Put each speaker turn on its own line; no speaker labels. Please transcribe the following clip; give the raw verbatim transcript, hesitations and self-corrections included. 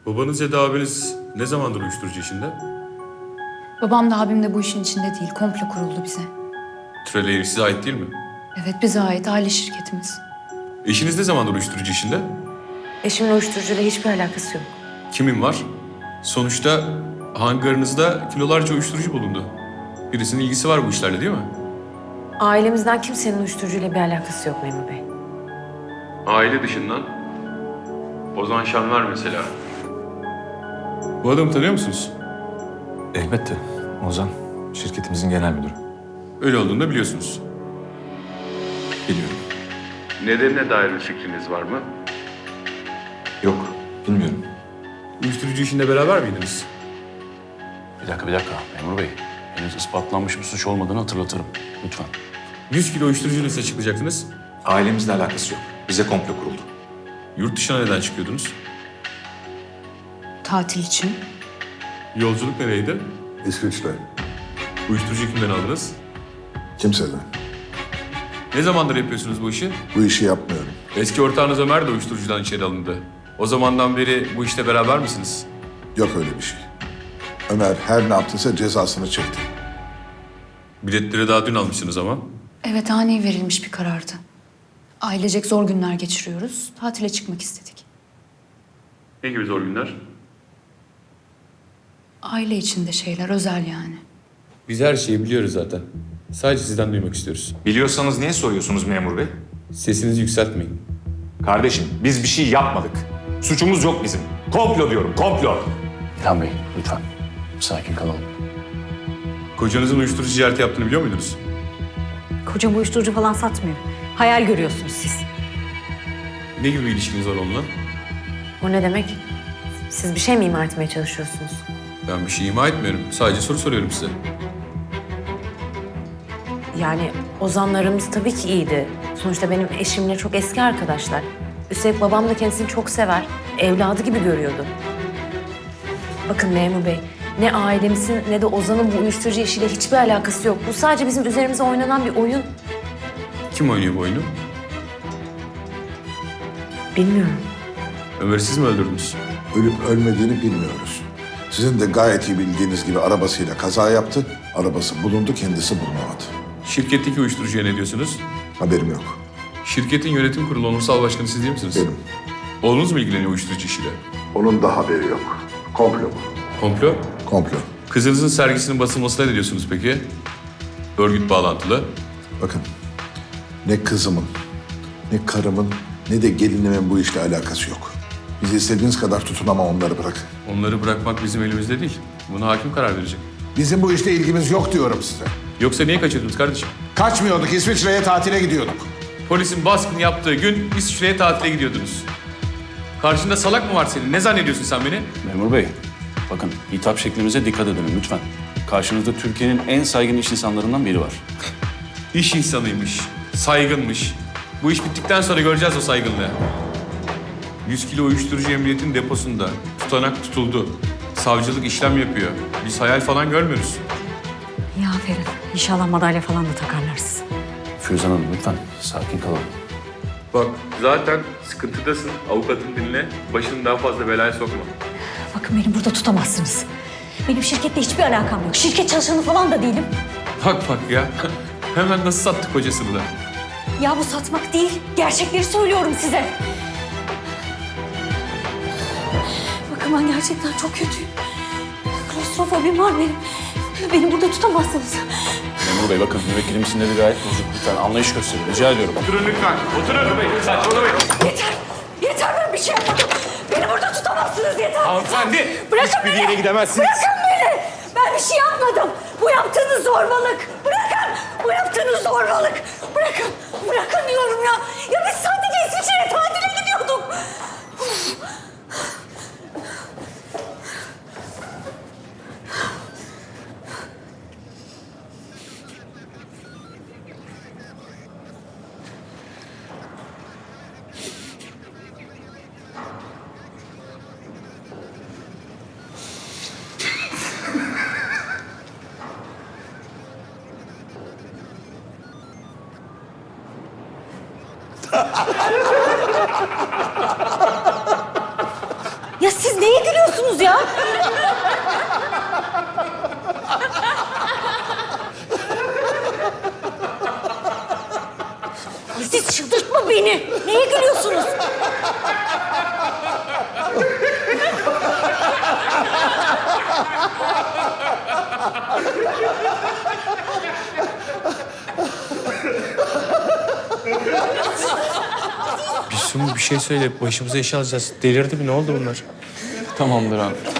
Babanız ya da abiniz ne zamandır uyuşturucu işinde?
Babam da abim de bu işin içinde değil. Komplo kuruldu bize.
Trailer size ait değil mi?
Evet, bize ait aile şirketimiz.
Eşiniz ne zamandır uyuşturucu işinde?
Eşimin uyuşturucuyla hiçbir alakası yok.
Kimin var? Sonuçta hangarınızda kilolarca uyuşturucu bulundu. Birisinin ilgisi var bu işlerle değil mi?
Ailemizden kimsenin uyuşturucuyla bir alakası yok Memur Bey.
Aile dışından Ozan Şanlar mesela. Bu adamı tanıyor musunuz?
Elbette. Ozan, şirketimizin genel müdürü.
Öyle olduğunu da biliyorsunuz.
Biliyorum.
Nedenine dair bir fikriniz var mı?
Yok, bilmiyorum.
Uyuşturucu işinde beraber miydiniz?
Bir dakika, bir dakika. Memur Bey, henüz ispatlanmış bir suç olmadığını hatırlatırım. Lütfen.
yüz kilo uyuşturucu nasıl açıklayacaktınız?
Ailemizle alakası yok. Bize komplo kuruldu.
Yurt dışına neden çıkıyordunuz?
Tatil için.
Yolculuk nereydi?
İsviçre.
Uyuşturucu kimden aldınız?
Kimseden.
Ne zamandır yapıyorsunuz bu işi?
Bu işi yapmıyorum.
Eski ortağınız Ömer de uyuşturucudan içeri alındı. O zamandan beri bu işte beraber misiniz?
Yok öyle bir şey. Ömer her ne yaptıysa cezasını çekti.
Biletleri daha dün almışsınız ama.
Evet, ani verilmiş bir karardı. Ailecek zor günler geçiriyoruz. Tatile çıkmak istedik.
Ne gibi zor günler?
Aile içinde şeyler, özel yani.
Biz her şeyi biliyoruz zaten. Sadece sizden duymak istiyoruz.
Biliyorsanız niye soruyorsunuz memur bey?
Sesinizi yükseltmeyin.
Kardeşim, biz bir şey yapmadık. Suçumuz yok bizim. Komplo diyorum, komplo.
İlhan Bey, lütfen. Sakin kalalım.
Kocanızın uyuşturucu ticareti yaptığını biliyor muydunuz?
Kocam uyuşturucu falan satmıyor. Hayal görüyorsunuz siz.
Ne gibi bir ilişkiniz var onunla?
O ne demek? Siz bir şey mi ima etmeye çalışıyorsunuz?
Ben bir şey ima etmiyorum. Sadece soru soruyorum size.
Yani Ozanlarımız tabii ki iyiydi. Sonuçta benim eşimle çok eski arkadaşlar. Üstelik babam da kendisini çok sever. Evladı gibi görüyordu. Bakın Memur Bey, ne ailemizin ne de Ozan'ın bu uyuşturucu işiyle hiçbir alakası yok. Bu sadece bizim üzerimize oynanan bir oyun.
Kim oynuyor bu oyunu?
Bilmiyorum.
Ömer'i siz mi öldürdünüz?
Ölüp ölmediğini bilmiyoruz. Sizin de gayet iyi bildiğiniz gibi arabasıyla kaza yaptı. Arabası bulundu, kendisi bulunamadı.
Şirketteki uyuşturucuya ne diyorsunuz?
Haberim yok.
Şirketin yönetim kurulu onursal başkanı siz değil misiniz?
Benim.
Oğlunuz mu ilgileniyor uyuşturucu işiyle?
Onun da haberi yok. Komplo bu.
Komplo?
Komplo.
Kızınızın sergisinin basılmasına ne diyorsunuz peki? Örgüt bağlantılı.
Bakın, ne kızımın, ne karımın, ne de gelinimin bu işle alakası yok. Bizi istediğiniz kadar tutun ama onları bırakın.
Onları bırakmak bizim elimizde değil. Buna hakim karar verecek.
Bizim bu işle ilgimiz yok diyorum size.
Yoksa niye kaçırdınız kardeşim?
Kaçmıyorduk, İsviçre'ye tatile gidiyorduk.
Polisin baskın yaptığı gün İsviçre'ye tatile gidiyordunuz. Karşında salak mı var senin? Ne zannediyorsun sen beni?
Memur Bey, bakın hitap şeklimize dikkat edelim lütfen. Karşınızda Türkiye'nin en saygın iş insanlarından biri var.
İş insanıymış, saygınmış. Bu iş bittikten sonra göreceğiz o saygınlığı. yüz kilo uyuşturucu emniyetin deposunda tutanak tutuldu. Savcılık işlem yapıyor. Biz hayal falan görmüyoruz.
İyi aferin. İnşallah madalya falan da takarlar size.
Füzan Hanım lütfen sakin kalalım.
Bak zaten sıkıntıdasın. Avukatın dinle. Başını daha fazla belaya sokma.
Bakın beni burada tutamazsınız. Benim şirketle hiçbir alakam yok. Şirket çalışanı falan da değilim.
Bak bak ya. Hemen nasıl sattık kocasını da.
Ya bu satmak değil. Gerçekleri söylüyorum size. Bakın ben gerçekten çok kötüyüm. Klostrofobim var benim. Beni burada tutamazsınız.
Memur Bey bakın müvekkilimin sinirleri gayet bozuk. Lütfen anlayış gösterin. Rica ediyorum.
Oturun lütfen. Oturun bey. Saçmalamayın.
Yeter! Yeter, ben bir şey yapmadım. Beni burada tutamazsınız, yeter!
Hanımefendi.
Bırakın
Hiçbir
beni!
yere gidemezsiniz.
Bırakın beni! Ben bir şey yapmadım. Bu yaptığınız zorbalık. Bırakın! Bu yaptığınız zorbalık. Bırakın! Bırakın diyorum ya! Ya biz sadece İsviçre'ye tatile gidiyorduk. Neye gülüyorsunuz ya? Aziz çıldırtma beni. Neye gülüyorsunuz?
Bir Sumu bir şey söyle. Başımıza iş alacağız. Delirdi mi? Ne oldu bunlar?
Tamamdır abi.